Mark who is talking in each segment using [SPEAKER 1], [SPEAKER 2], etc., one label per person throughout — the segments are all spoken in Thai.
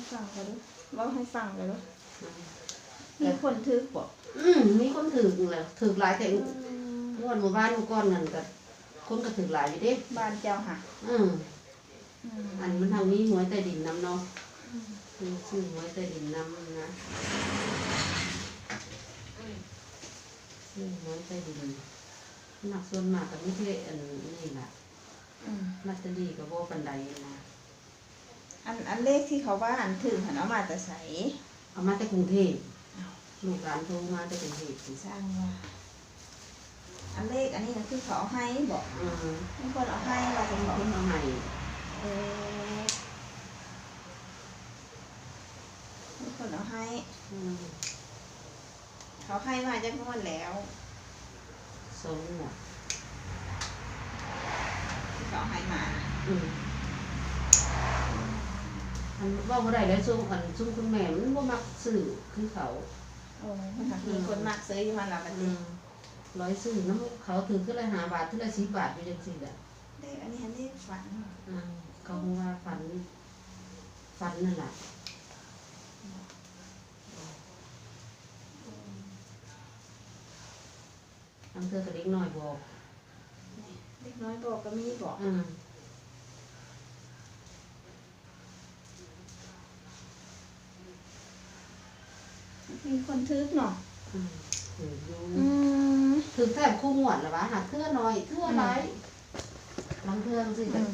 [SPEAKER 1] ฟังกันด้วยว่าให้ฟังกันด้วยมีคนถือบอก
[SPEAKER 2] มีคนถือแหละถือหลายแต่งวดหมู่บ้านหมู่ก้อนนั่นก็คนก็ถือหลายอยู่เด้
[SPEAKER 1] บ้านเจ้าค่ะ
[SPEAKER 2] อันมันทางนี้หวยใต้ดินน้ำเนาะชื่อหวยใต้ดินน้ำนะชื่อหวยใต้ดินหนักส่วนมากกับไม่ใช่อันนี้แหละลอตเตอรี่กับโบปันไดนะ
[SPEAKER 1] อันเลขที่เขาว่าอันถึงหันเอามาแต่ใส
[SPEAKER 2] เอามาแต่กรุงเทพลูกหลานโทรมาแต่กรุงเทพ
[SPEAKER 1] สร้างว่าอันเลขอันนี้นะคือเขาให้บอกมีคนเอาให้เราเป็นบอก
[SPEAKER 2] เอาให้
[SPEAKER 1] มีคนเอาให้เขาให้มาจากงวดแล้ว
[SPEAKER 2] สองหมด
[SPEAKER 1] ที่เขาให้มา
[SPEAKER 2] อันว่าบ่ได้แล้วซุ่มคุณแม่มันบ่มักซื้อคือเขา
[SPEAKER 1] มีคนมักซื้ออยู่มาแล้วกันดิ
[SPEAKER 2] ร้อยซื้อน้ำเขาถือขึ้นละ5 บาทขึ้นละ10 บาทอยู่จังซี่แหละ
[SPEAKER 1] เลขอันนี้เลขฝัน
[SPEAKER 2] เขาว่าฝันนั่นแหละทำเธอกระเด็กน้อยบอก
[SPEAKER 1] เด็กน้อยบอกก็มีบอกมีคนทึกเนาะ
[SPEAKER 2] ถือดูถือแทบคู่หมวดหรอวะหาเทื่อน้อยเทื่อไรบางเทื่อสิแบบ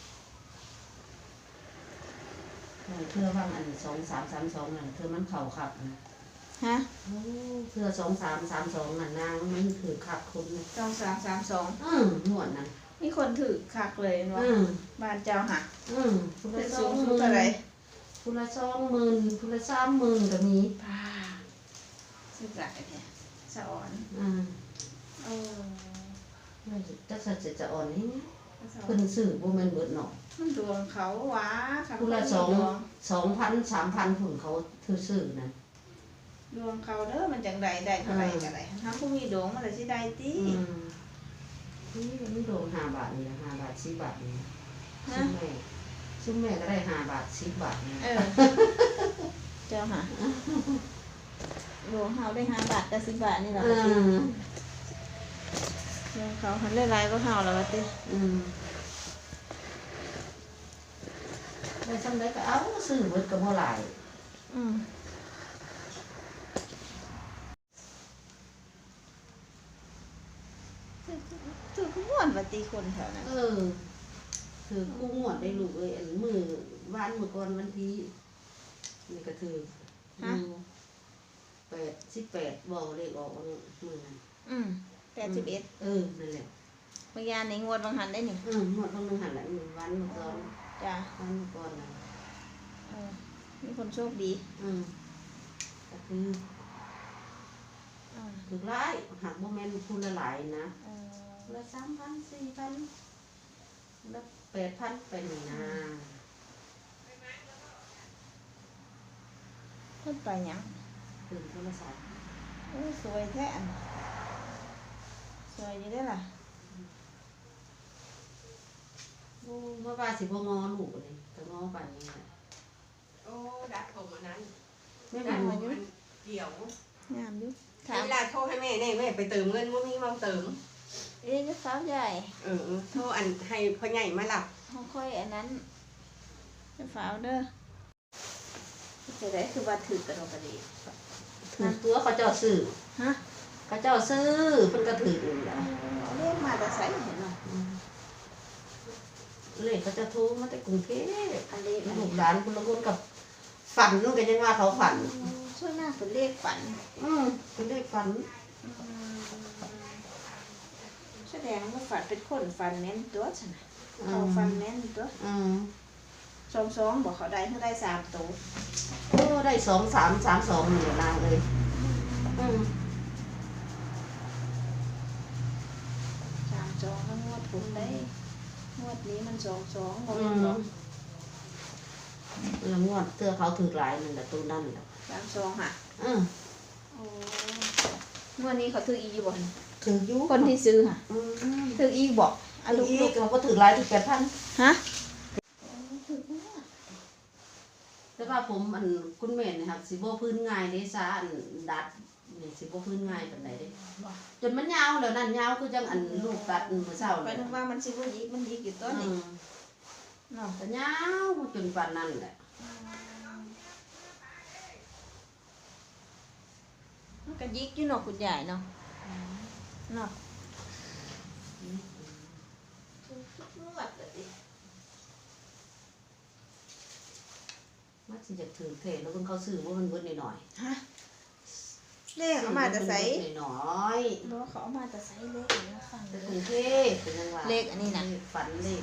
[SPEAKER 2] เทื่อว่างอัน2332นั่นเทื่อมันเข่าขับนะ
[SPEAKER 1] ฮะ
[SPEAKER 2] เทื่อ2332นั่นนางมันถือขับคน
[SPEAKER 1] 2332
[SPEAKER 2] หมวดนั่น
[SPEAKER 1] มีคนถือคักเลยว่าบ้านเจ้าค่ะ
[SPEAKER 2] เป็น
[SPEAKER 1] สูงสุดอะไร
[SPEAKER 2] คุณละ20,000คุณละ30,000ก็มี
[SPEAKER 1] ป้าสุดใจแท้สะอ่อน
[SPEAKER 2] จักสัจจะอ่อนนี่เพิ่นซื้อบ่แม่นเบิดเนาะ
[SPEAKER 1] มันดวงเขาหวา
[SPEAKER 2] คุณละ2,000 3,000พุ่นเขาซื้อนั่น
[SPEAKER 1] ดวงเขาเด้อมันจังไดได้เท่าไหร่ก็ได้ถ้าผู้มีดวงมันสิได้ติ
[SPEAKER 2] นี่มันโดน5 บาทนี่5 บาท10 บาทนี่ซึ่งแม่ก็ได้5 บาท10 บาทนี่
[SPEAKER 1] เจ้าค่ะดวงเขาได้5 บาทกับ10 บาทนี่แหละดวงเขาหันหลายๆก็เฮาแล้วว่าติ
[SPEAKER 2] ได้ซ้ำได้ก็เอาซื้อเบิดก็บ่หลาย
[SPEAKER 1] ถือม้วนว่าติคนแถวนั้น
[SPEAKER 2] ถือคู่งวดได้ลูกเอ้ยอันมื้อวันมื้อก่อนวันที่นี่ก็ถือ18บอกเลขออกมื้อนั้น
[SPEAKER 1] 81
[SPEAKER 2] นั่นแหละ
[SPEAKER 1] เมื่อยานในงวดบางหันได้นี่
[SPEAKER 2] งวดบางหันแหละวันมื้อก่อน
[SPEAKER 1] จ้ะ
[SPEAKER 2] วันมื้อก่อนน่ะ
[SPEAKER 1] มีคนโชคดี
[SPEAKER 2] ก็คือถูกหลายหักบ่แม่นผู้ละหลายนะละ3,000 4,000ละ8,000ไปนี่นะ
[SPEAKER 1] เพิ่นไปหยัง
[SPEAKER 2] ตื่นโทรศัพท์
[SPEAKER 1] สวยแท้สวยอยู่ได้ล่ะ
[SPEAKER 2] เมื่อวานสิบ่งอลูกนี่ก็งอปานนี้แหละ
[SPEAKER 3] ดัดผมอันนั้น
[SPEAKER 2] ไม่
[SPEAKER 3] ดัดผมอันเดี่ยว
[SPEAKER 1] งามอยู่
[SPEAKER 3] เวลาโทรให้แม่เนี่ยแม่ไปเติมเงินว่ามีมาเติม
[SPEAKER 1] จะสาวใหญ่
[SPEAKER 3] โทรอันให้พ่อใหญ่มาหลับ
[SPEAKER 1] เขาค่อยอันนั้นจะฝาวเด้อจะได้คือว่าถือกระดกกระดี
[SPEAKER 2] ถือตัวเขาเจ้าซื้อเขาเจ้าซื้อเพิ่นก็ถือแล้ว
[SPEAKER 1] เรียกมาแต่ไสเห็นบ่
[SPEAKER 2] เลขเขาจะโทรมาแต่กรุงเทพอันนี้ลูกหลานคนละคนกับฝันนู่นก็ยังว่าเขาฝัน
[SPEAKER 1] ช่วยหน้าเป็นเลขฝัน
[SPEAKER 2] เป็นเลขฝัน
[SPEAKER 1] แสดงว่าฝันเป็นคนฝันแม่นตัวฉันน่ะเขาฝันแม่นตัว22บอกเขาได้เขาได้3ตัว
[SPEAKER 2] ได้2332นี่นางเลย
[SPEAKER 1] 32แล้วงวดผมได้งวดนี้มัน22บ่แม่นบ่
[SPEAKER 2] งวดเสื้อเขาถือหลายนั่นแหละตัวนั่นแหละ
[SPEAKER 1] 32ค่ะงวดนี้เขาถืออีอยู่บ่
[SPEAKER 2] ถืออยู่
[SPEAKER 1] คนที่ซื้อค่ะถืออีบ่
[SPEAKER 2] ลูกเขาก็ถือหลายถือ8,000
[SPEAKER 1] ฮะ
[SPEAKER 2] แต่ว่าผมอันคุณแม่นี่ครับสิบ่พื้นง่ายเด้ซะอันดัดนี่สิบ่พื้นง่ายปานใดเด้จนมันยาวแล้วนั่นยาวคือจังอันลูกตัดมื้อเช้า
[SPEAKER 1] ไป
[SPEAKER 2] นี่
[SPEAKER 1] นึกว่ามันสิบ่ยิกมันยิกอยู่ตัวนี้เนาะ
[SPEAKER 2] ก็ยาวจนปานนั้นแหละ
[SPEAKER 1] มันก็ยิกอยู่เนาะคุณยายเนาะเนาะนวดเลยดิ
[SPEAKER 2] มันสิจะถือเทแล้วเพิ่นเขาซื้อว่ามันเบิดนิดหน่อย
[SPEAKER 1] ฮะเลขเอามาแต่ไส
[SPEAKER 2] นิดหน่อย
[SPEAKER 1] บ่เขาเอามาแต่ไสเลขนี่ฟัง
[SPEAKER 2] แต่
[SPEAKER 1] เล
[SPEAKER 2] กรุ
[SPEAKER 1] ย
[SPEAKER 2] งเทพเป็นจังว่า
[SPEAKER 1] เลขอันนี้น่ะ
[SPEAKER 2] ฝันเลข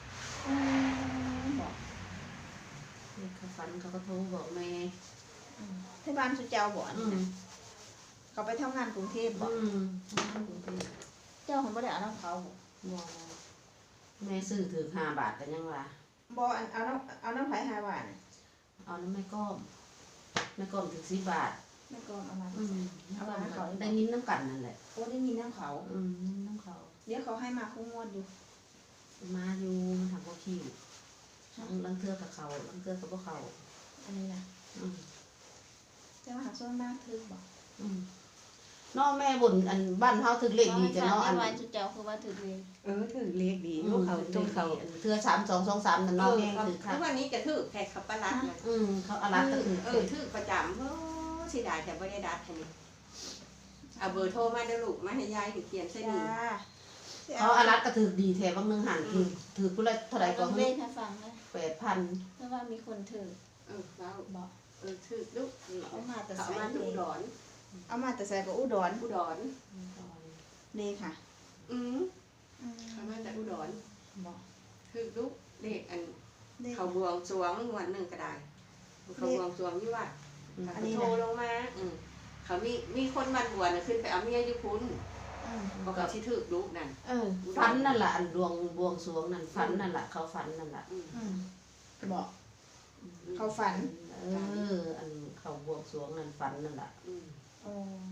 [SPEAKER 1] บอก
[SPEAKER 2] เลขเขาฝันเขาก็โทรบอกแม่
[SPEAKER 1] ที่บ้านสุเจ้าบ่อัน
[SPEAKER 2] อื
[SPEAKER 1] นี้
[SPEAKER 2] ม
[SPEAKER 1] นะเขาไปทำงานกรุงเทพบ่
[SPEAKER 2] กรุงเทพ
[SPEAKER 1] เจ้าของบ่ได้เอาน้ำเขาบ่
[SPEAKER 2] บ่แม่ซื้อถือ5 บาทก็ยังว่า
[SPEAKER 1] บ่อันเอาน้ำไผ5 บาทน่ะ
[SPEAKER 2] เอาน้ำแม่ก้อมแม่ก้อมถึง10 บาท
[SPEAKER 1] แม่ก็เอามา
[SPEAKER 2] เอามาเขาได้ยินน้ำกันนั่นแหละ
[SPEAKER 1] โอ้ได้ยินน้ำเขา
[SPEAKER 2] น้ำเขา
[SPEAKER 1] เดี๋ยวเขาให้มาคู่งวดอยู่
[SPEAKER 2] มาอยู่มันทำบ่คิวลังเทือกับเขาลังเทือกับพวกเขา
[SPEAKER 1] อันนี้นะ
[SPEAKER 2] อืม
[SPEAKER 1] แต่ว่าหาโซนบ้านถึกบ่
[SPEAKER 2] น้องแม่บ่นอันบ้านเฮาถึกเลขดีจ้ะเนาะอัน
[SPEAKER 1] วันสุเจ้าคือว่าถึกเลย
[SPEAKER 3] ถือเลขดีลูกเขาจงเขา
[SPEAKER 2] เทือ3223นั่นน้องแม่ถือค่ะ
[SPEAKER 3] ทุกวันนี้จะถือแขกขับปลัดนะ
[SPEAKER 2] เขาอารักก็ถือ
[SPEAKER 3] ถือประจำสิได้แต่ไม่ได้ดัดทีนี้เอาเบอร์โทรมาเด้อลูกมาให้ยายถึงเขียนใส่
[SPEAKER 1] จ้า
[SPEAKER 3] ดี
[SPEAKER 2] เขาอารักก็ถือดีแถบางนึงหันถือผู้ละเท่าไหร่ก็
[SPEAKER 1] เล่นให้ฟังนะ
[SPEAKER 2] 8,000
[SPEAKER 1] เพราะว่ามีคนถือ
[SPEAKER 3] ว้าว
[SPEAKER 1] บอก
[SPEAKER 3] ถือลูก
[SPEAKER 1] เอามาแต่
[SPEAKER 3] เอา
[SPEAKER 1] ใส่
[SPEAKER 3] มาดู
[SPEAKER 1] เลย
[SPEAKER 3] ดอน
[SPEAKER 1] เอามาแต่ใส่กับอุดร
[SPEAKER 3] อุดร
[SPEAKER 1] นี่ค่ะ
[SPEAKER 3] เอามาจากอุดร
[SPEAKER 1] บอก
[SPEAKER 3] ถือลูกเลขอัน
[SPEAKER 1] เลข
[SPEAKER 3] เขาบวงสรวงวันหนึ่งก็ได้เขาบวงสรวงที่วัด
[SPEAKER 1] อันนี้นะ
[SPEAKER 3] โทรลงมาเขามีคนบันบวชน่ะขึ้นไปเอาเมียอยู่คุณบอกเขาที่ถือลูกนั่น
[SPEAKER 2] ฝันนั่นล่ะอันดวงบวงสรวงนั่นฝันนั่นล่ะเขาฝันนั่นล่ะ
[SPEAKER 1] บอกเขาฝัน
[SPEAKER 2] อันเขาบวงสรวงนั่นฝันนั่นล่ะ
[SPEAKER 1] โอ้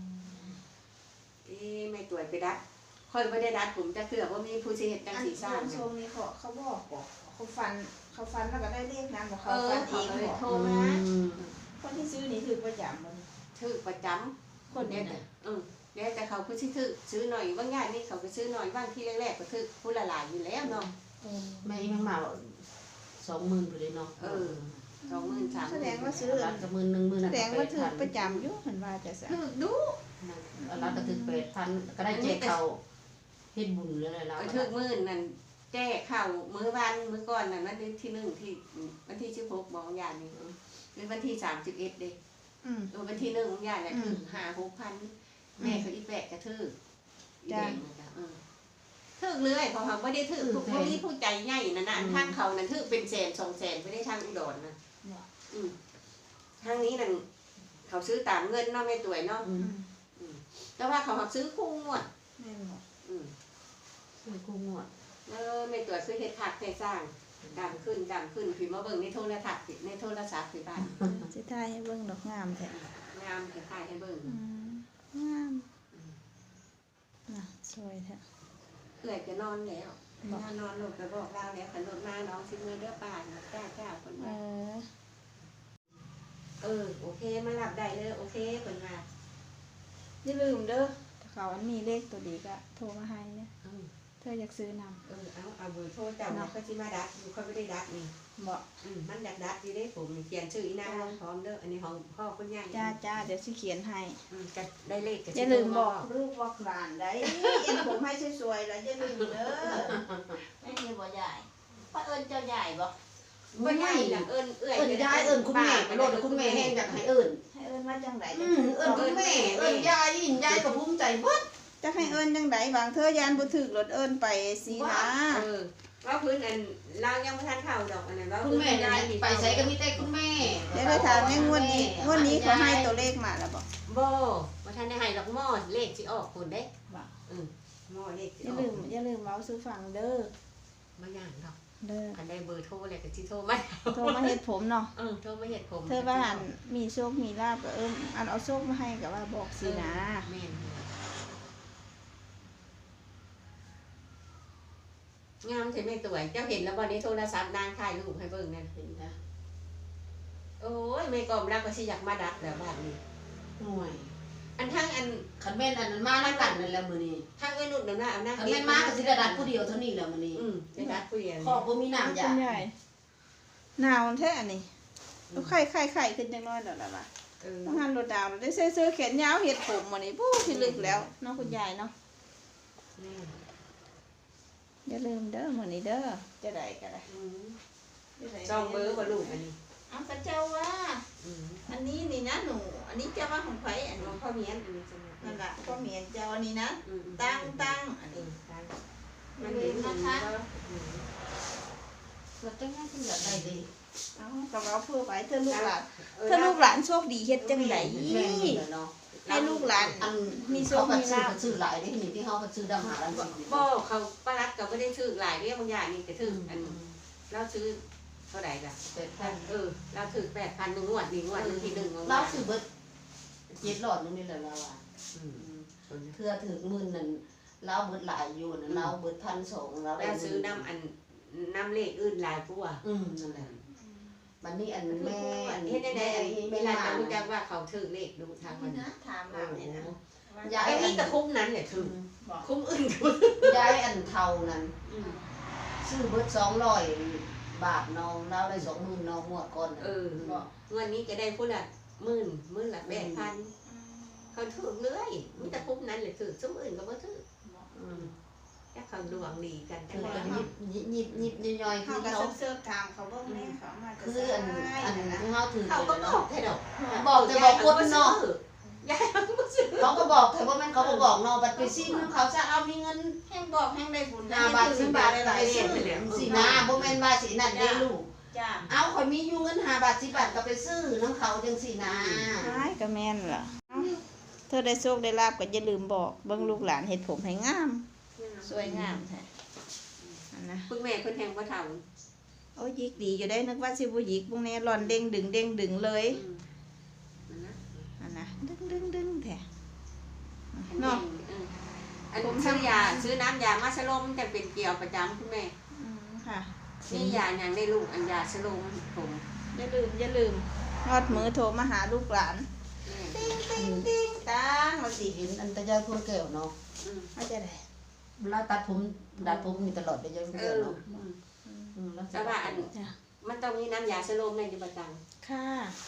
[SPEAKER 3] ไม่ตัวไปดัดค่อยไม่ได้ดัดผมจะเกือบว่ามีผู้เชี่ยวชาญสีสร้าง
[SPEAKER 1] ทรงนี้เขาบอกเขาฝันแล้วก็ได้เลขนั้นบอกเขา
[SPEAKER 3] เขา
[SPEAKER 1] ฝันเอง
[SPEAKER 3] เลย
[SPEAKER 1] บอก
[SPEAKER 3] โทรมา
[SPEAKER 1] คนที่ซื้อนี่ถือประจำมัน
[SPEAKER 3] ถือประจ
[SPEAKER 1] คน
[SPEAKER 3] ำ
[SPEAKER 1] นี้
[SPEAKER 3] เนี่ย
[SPEAKER 1] นะ
[SPEAKER 3] เดี๋ยวแต่เขาผู้ที่ถือซื้อหน่อยบางอย่างนี่เขาไปซื้อหน่อยบ้างที่แรกๆก็ถือผู้ละหลายอยู่แล้วเนาะ
[SPEAKER 2] แม่ยังมา20,000ไปเลยเนาะ
[SPEAKER 3] 20,000
[SPEAKER 1] แสดงว่าซื้อ
[SPEAKER 2] ร้านก็10,000
[SPEAKER 1] แสดงว่าถือประจำอยู่เห็นว่าจะสั่
[SPEAKER 3] ถือดู
[SPEAKER 2] ร้านก็ถึง8,000ก็ได้แจกเขาเฮ็ดบุญเลยแล้ว
[SPEAKER 3] ถือมื่นนั่นแจ้ข่าวมื้อวันมื้อก่อนนั่นวันที่1ที่วันที่16บอกอย่างนี้เป็นวันที่31เด้วันที่1ของอย่างน่ะถือ5-6,000แม่เขาอีแปะก็ถืออีแดงนะถือเลยเพราะเขาไม่ได้ถือพวกนี้ผู้ใจใหญ่นั่นน่ะทางเขานั่นถือเป็น100,000-200,000ไม่ได้ทางอุดรนะทางนี้นั่นเขาซื้อตามเงินเนาะไม่ตัวเนาะแต่ว่าเขาซื้อคู่งวด
[SPEAKER 1] แม่บอก
[SPEAKER 2] ซื้อคู่งวด
[SPEAKER 3] ไม่ตัวซื้อเฮ็ดผักให้สร้างดังขึ้นพี่มาเบิ่งในโทรทัศน์ในโทรศัพท์ที่บ้าน
[SPEAKER 1] สิทายให้เบิ่งดอกงามแท้
[SPEAKER 3] งามคล้ายๆให้เบิ่ง
[SPEAKER 1] งามน่ะสวยแท้
[SPEAKER 3] เอื้อยจะนอนแล้วนอนลงไปบอกเราแล้วขันรถมาน้องสิมือเด้อป่านจ้าคน
[SPEAKER 1] เอ
[SPEAKER 3] ว่า โอเคมาหลับได้เลยโอเคคนว่า
[SPEAKER 1] อย่าลืมเด้อถ้าเขาอันมีเลขตัวดีก็โทรมาให้เนี่ยเธออยากซื้อนำ
[SPEAKER 3] เอาเบอร์โทรเจ้าเนาะก็สิมาดัดอยู่เขาไม่ได้ดัดนี่
[SPEAKER 1] บอก
[SPEAKER 3] มันอยากดัดดีได้ผมเขียนชื่ออีนางลงพร้อมเด้ออันนี้ของพ่อคุณยาย
[SPEAKER 1] จ้าเดี๋ยวสิเขียนให้
[SPEAKER 3] จะได้เลข
[SPEAKER 1] อย่าลืมบอกลูกบอกหลานได้เอ็นผมให้สวยๆแล้วอย่าลืมเด้อไม่มีบ่ใหญ่ป้าเอิญเจ้าใหญ่บ่
[SPEAKER 3] บ่ใหญ่น่ะเอิ้นเอื้อย
[SPEAKER 2] ยายคุณแม่ไปโลดคุณแม่แห้งอยากให้เอิ้น
[SPEAKER 1] ให้เอิญว่าจังได
[SPEAKER 2] คุณแม่ยายก็ภูมิใจเบิด
[SPEAKER 1] จะให้เอิญจังไดบางเธอยานบ่ถึกรถเอิญไปสินะ
[SPEAKER 3] ว่าพื้นอันเรายังไม่ทันเข่าดอกอันนั้นว่า
[SPEAKER 2] คุณแม่ไปใช้ก็มีแต่คุณแม่
[SPEAKER 1] เดี๋ยวไปถามในงวดนี้เขาให้ตัวเลขมาแล้วบ่
[SPEAKER 3] บ่ว่าท่านได้ให้ดอกหม้อเลขสิออกคนเด้
[SPEAKER 1] บ่
[SPEAKER 3] หม้อเลขสิ
[SPEAKER 1] อย่า
[SPEAKER 3] อ
[SPEAKER 1] ลื
[SPEAKER 3] อก
[SPEAKER 1] มอย่าลืมเว้าสู่ฟังเด้อ
[SPEAKER 3] บ่ย่างดอก
[SPEAKER 1] เด้อ
[SPEAKER 3] คันได้เบอร์โทรแล้วก็สิโทรมา
[SPEAKER 1] โทรมาเฮ็ดผมเนาะ
[SPEAKER 3] โทรมาเฮ็ดผม
[SPEAKER 1] เธอว่าอันมีโชคมีลาบก็อันเอาโชคมาให้ก็ว่าบอกสินะ
[SPEAKER 3] แม่นงามใช่ไหมตัวเจ้าเห็นแล้วบ่ในโทรศัพท์นางถ่ายรูปให้เบิ่งนั่น
[SPEAKER 2] เห็นจ้ะ
[SPEAKER 3] โอ้ยไม่กอมแล้วก็สิอยากมาดัดแล้วบ้านนี้
[SPEAKER 2] ห่วย
[SPEAKER 3] อันทั้งอัน
[SPEAKER 2] คันแม่นอันนั้นมานํกันนั่นแหละมื้อนี้
[SPEAKER 3] ทั้งเอ้นนุ่นน่ะเอานะ
[SPEAKER 2] คันแม่นมาก็สิได้ดัดผู้เดียวเท่านี้แหละมื้อนี้
[SPEAKER 3] จะดัดผู้เดียว
[SPEAKER 2] ขอบบ่มีน้ำยา
[SPEAKER 1] คุณยายหนาวแท้อันนี้ไข่ขึ้นจังน้อยแล้วล่ะว่ะต้องหันรถดาวได้เสื้อแขนยาวเฮ็ดผมมื้อนี้ปู้สิลึกแล้วเนาะคุณยายเนาะอย่าลืมเด้อมื้อนี้เด้อจะได้ก็ได้
[SPEAKER 3] จองเบอร์บ่ลูกอันนี้
[SPEAKER 1] เอากระเจ้าว่าอันนี้นี่นะหนูอันนี้เจ้าว่าของไผอัน
[SPEAKER 3] น้อ
[SPEAKER 1] นี้
[SPEAKER 3] งพ่อเมียนอันนี้จัง
[SPEAKER 1] นั่นล่ะก็เหมียนเจ้าอันนี้นะตั้งอันนี้
[SPEAKER 3] มันเห็นนะคะ
[SPEAKER 2] ว่าจังได๋คุณอยากได้เด้
[SPEAKER 1] เอากับเราเพื่อไว้เธอลูกหลานเธอลูกหลานโชคดีเฮ็ดจังได๋
[SPEAKER 2] แม่นนี่แหละเนาะ
[SPEAKER 1] ให้ลูกหลาน
[SPEAKER 2] อัน
[SPEAKER 1] มีโช
[SPEAKER 2] เขา
[SPEAKER 1] ค
[SPEAKER 2] ก็
[SPEAKER 1] มี
[SPEAKER 2] ซื้อ
[SPEAKER 1] ลาภ
[SPEAKER 2] ก็ซื้อหลายเด้นี่ที่เขาก็ซื้อดำหาลันสิ
[SPEAKER 3] บ่เขาป้ารัดก็ไม่ได้ซื้อหลายเรื่องบางอย่างนี่ก็ซื้ออันเราซื้อเท่าไหร่ล่ะ เราถือ8,000นึงงวดนึงที่1ของ
[SPEAKER 2] เราซื้อเบิด7หลอดนึงนี่แหละเราอ่ะเพื่อถึงมื้อนั้นเราเบิดหลายอยู่นะเราเบิด1,200เราได้
[SPEAKER 3] เราซื้อน้ำอันน้ำเลขอื่นหลายกว่า
[SPEAKER 2] นั่นแหละบัดนี้อันแม่
[SPEAKER 3] เฮ็ดได้อันเวลาจะรู้จักว่าเขาถือเลขดูทางมัน
[SPEAKER 1] นะถามมาเนี่ยนะ
[SPEAKER 2] ยาย
[SPEAKER 3] ไอ้
[SPEAKER 2] อั
[SPEAKER 3] นี่
[SPEAKER 2] น
[SPEAKER 3] ตะคุ้มนั้นเนี่ยถือคุ้มอื่นก็
[SPEAKER 2] ยายอันเท่านั้นซื้อเบิด200 บาทน้องเราได้20,000น้องหมดก่อน
[SPEAKER 3] วันนี้จะได้พูดละ10,000ละ8,000เขาถือเรื่อยมีตะคุ้มนั้นเลยถือซุ้มอื่นก็บ่ถือแค่เขาดวงดีกันแต่
[SPEAKER 2] คือ
[SPEAKER 3] ว่า
[SPEAKER 2] กันยิบย่อยๆ
[SPEAKER 1] เขา
[SPEAKER 2] คือ
[SPEAKER 1] ก็
[SPEAKER 2] เขา
[SPEAKER 1] เสิร์ฟถามเขาบ่แม่เขามาจะ
[SPEAKER 2] คืออันที่เขาถือ
[SPEAKER 3] เขาก็บอกแค่ดอก
[SPEAKER 2] บอกแต่บอกคนเนาะ
[SPEAKER 3] ยายเขาก็ซื้อ
[SPEAKER 2] เขาก็บอกแต่ว่ามันเขาก็บอกเนาะบัดไปซิมเขาจะเอามีเงิน
[SPEAKER 1] แห้งบอกแห้งได้บุญ
[SPEAKER 2] 5 บาท10 บาทไปซื้อสินะบ่แม่นว่าสินั่นได้ลูก
[SPEAKER 1] จ้า
[SPEAKER 2] เอาข่อยมีอยู่เงิน5 บาท10 บาทก็ไปซื้อน้ำเขาจังสินะ
[SPEAKER 1] ใช่ก็แม่นล่ะเธอได้โชคได้ลาบก็อย่าลืมบอกเบิ่งลูกหลานเฮ็ดผมให้งามสวยงามแท้อันนะ
[SPEAKER 3] คุณแม่คุณแทงว่าท
[SPEAKER 1] โอ้ยิกดีอยู่ได้นึกว่าสิบ่ยิกพวกนี้ร่อนเด้งดึงเลย
[SPEAKER 3] ำ
[SPEAKER 1] อันนะดึงแท้
[SPEAKER 3] เนาะอันซื้อน้ำยามาสลมจะเป็นเกี่ยวประจำคุณแม่
[SPEAKER 1] ค่ะ
[SPEAKER 3] นี่ยาอย่างได้ลูกอันยาสลมผม
[SPEAKER 1] อย่าลืมยอดมือโทรมาหาลูกหลานติ้งตังมาสิ
[SPEAKER 2] เห็นอันตะยายพวกแก้วเนาะ
[SPEAKER 1] เอาจะได้
[SPEAKER 2] เวลาตัดผมมีตลอดตะยายพวกแก้วเนาะแล้ว
[SPEAKER 3] แต่ว่าอันมันต้องมีน้ำยาสลมในประจ
[SPEAKER 1] ค่ะ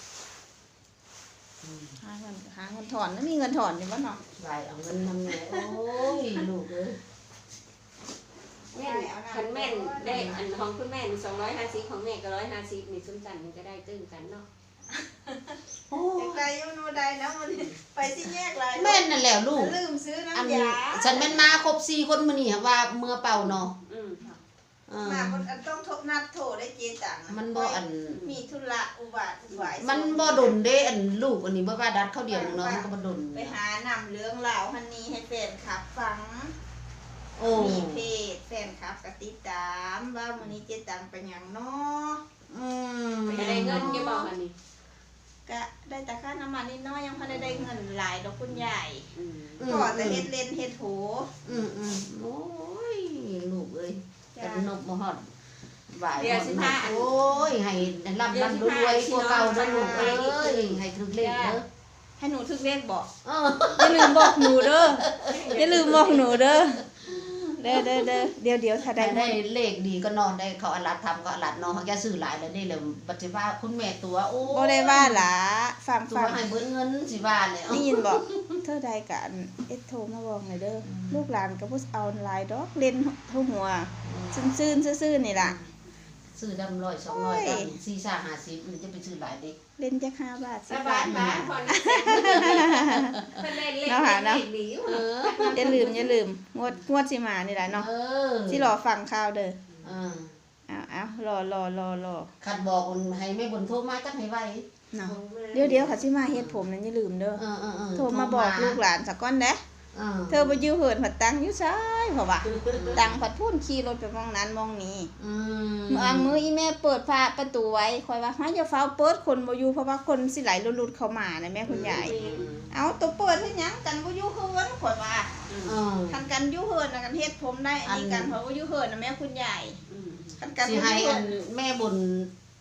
[SPEAKER 1] หาเงินถอนแล้วมีเงินถอนอยู่บ่เนาะ
[SPEAKER 2] ไปเอาเงินนำแม่โอ้ยลูกเอ้ย
[SPEAKER 3] ำแม่คันแม่ได้อันของคุณแม่250ของแม่ก็150นี่ซุ้มจันมันก็ได้ตึ้งกันเนาะ
[SPEAKER 2] โอ้
[SPEAKER 1] อยากได้อยู่โนได้นะมันไปสิแยกหลาย
[SPEAKER 2] แม่นนั่นแหละลูก
[SPEAKER 1] ลืมซื้อ
[SPEAKER 2] อัน
[SPEAKER 1] น้ำยา
[SPEAKER 2] ฉันแม่นมาครบ4คนมื้อนี้ว่าเมื่อเป่าเนาะ
[SPEAKER 1] มาคนต้องทบนัดโทรได้เจตัง
[SPEAKER 2] มันบ่อัน
[SPEAKER 1] มีธุระอุบาทหวาย
[SPEAKER 2] มันบ่ดนเด้อันลูกอันนี้บ่ว่าดัดเข้าเดียวเนาะมันก็บ่ดน
[SPEAKER 1] ไปหานำเรื่องราวฮันนี้ให้แฟนคลับฟัง
[SPEAKER 2] โอ้
[SPEAKER 1] มีเพจแฟนคลับก็ติดตามว่ามื้อนี้เจตังเป็นหยังเนาะ
[SPEAKER 3] ไม่ได้เงินกี่บอกอันนี้
[SPEAKER 1] ก็ได้แต่ค่าน้ำมันนิดน้อยยังพอได้เงินหลายดอกคุณใหญ่
[SPEAKER 3] อืม
[SPEAKER 1] ก็แต่เฮ็ดเล่นเฮ็ดโห
[SPEAKER 2] โอ้ยลูกเอ้ย
[SPEAKER 1] จ้ะ
[SPEAKER 2] กันนกบ่ฮอดบ่าย
[SPEAKER 3] เดี๋ยวสิพา
[SPEAKER 2] โอ้ยให้ร่ำรวยกว่าเก่าเด้อลูกเอ้ยให้ถึกเลขเด้อ
[SPEAKER 1] ให้หนูทึกเลขบอก
[SPEAKER 2] เออ
[SPEAKER 1] อย่าลืมบอกหนูเด้ออย่าลืมบอกหนูเด้อเดี๋ยวถ้าได้
[SPEAKER 2] ได้เลขดีก็นอนได้เขาอลัดทำก็อลัดเนาะเขาแกซื้อหลายแล้วนี่เลยปัจจุบันคุณแม่ตัวโอ้
[SPEAKER 1] บ่ได้ว่าหล่ะฟัง
[SPEAKER 2] ตัวให้เบิดเงินสิว่าเลย
[SPEAKER 1] ได้ยินบอกเธอใดกันโทรมาบอกหน่อยเด้อลูกหลานก็บ่เอาหลายดอกเล่นเท่าหัวซื่นๆซื่อๆนี่ล่ะ
[SPEAKER 2] ซื้อดำ100 200ดำ4 50มันจะไปซื้อหลายเด็ก
[SPEAKER 1] เล่นจัก5 บาท
[SPEAKER 3] ส
[SPEAKER 1] 10
[SPEAKER 3] บา
[SPEAKER 1] บาย ท
[SPEAKER 3] บ้านพอนะเพิ่นเล่นเล่นเล่นดี
[SPEAKER 1] อย่าลืมงวดสิมานี่ล่ะเนาะสิรอฟังข่าวเด้อเอารอ
[SPEAKER 2] คันบอกให้แม่บุญโทรมาจักให้ไว้
[SPEAKER 1] เนาะเดี๋ยวค่ะสิมาเฮ็ดผมนั่นอย่าลืมเด้อโทรมาบอกลูกหลานสักก่อนเด้เธอบ่อยู่เหินผัดตังอยู่ซ้ายเพราะว่าตังผัดพุ่นขี่รถไปมองนั้นมองนี้มืออีแม่เปิดประตูไว้คอยว่าหาอย่าเฝ้าเปิดคนบ่อยู่เพราะว่าคนสิไหลหลุดเข้ามานะแม่คุณยายเอาตัวเปิดเฮ็ดหยังกันบ่อยู่เหินข่อยว่าคันกันอยู่เหินน่ะกันเฮ็ดผมได้อันนี้กันเพราะว่าอยู่เหินน่ะแม่คุณยายคันกัน
[SPEAKER 2] สิให้อันแม่บุญ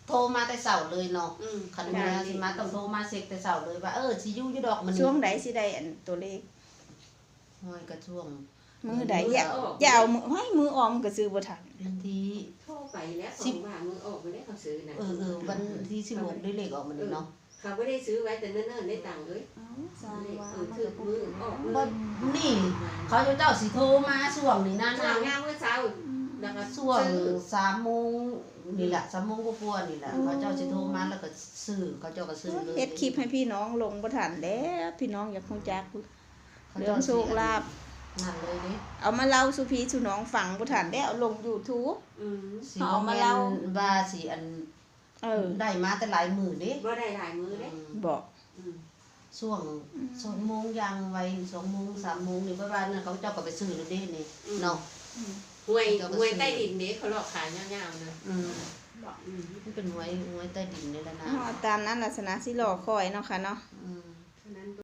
[SPEAKER 2] โทรมาแต่เช้าเลยเนาะคันว่าสิมาต้องโทรมาเช็คแต่เช้าเลยว่าสิอยู่อยู่ดอกมันนี่
[SPEAKER 1] ช่วงใดสิได้อันตัวเลข
[SPEAKER 2] ห้อยก็ช่วง
[SPEAKER 1] มือใดอย่าเอามือให้มือออมก็ซื้อบ่ทัน
[SPEAKER 2] วันที่
[SPEAKER 3] โทรไปแล้วส่งว่ามือออกไปได้เขาซื้อนะ
[SPEAKER 2] วันที่16ได้เลขออกมันนี่เนาะ
[SPEAKER 3] เขาไม่ได้ซื้อไว้แต่เนิ่นๆได้ตังค์เลย
[SPEAKER 1] สร้างว่า
[SPEAKER 3] ถือมือออก
[SPEAKER 2] บ่นี่เขาเจ้าสิโทรมาช่วงนี้นะ
[SPEAKER 3] ช่วงงานเมื่อเช้าแล้วก็
[SPEAKER 2] ช่วง3 โมงนี่แหละ3 โมงกว่าๆนี่แหละเขาเจ้าสิโทรมาแล้วก็ซื้อเขาเจ้าก็ซื้อเลย
[SPEAKER 1] เฮ็ดคลิปให้พี่น้องลงบ่ทันแล้วพี่น้องอยากรู้จักเรื่องโชคลาภ
[SPEAKER 2] นั่นเลยดิ
[SPEAKER 1] เอามาเล่าสู่พี่สู่น้องฟังบ่ทันได้เอาลง YouTube
[SPEAKER 2] สิเอามาเล่าว่าสิอันได้มาแต่หลายมื้อเด้
[SPEAKER 3] บ่ได้หลายมือเด้
[SPEAKER 1] บอก
[SPEAKER 2] ช่วง2 โมงยังไว้2 โมง3 โมงนี่ประมาณนั้นเขาเจ้าก็ไปซื้อแล้วเด้นี่เนาะ
[SPEAKER 3] หวยใต้ดินเด้เขาหลอกขายยาวๆนะ
[SPEAKER 2] มันเป็นหวยใต้ดินนี่แหละนะ
[SPEAKER 1] ตามนั้นลักษณะสิรอคอยเนาะค่ะเนาะ
[SPEAKER 3] นั้น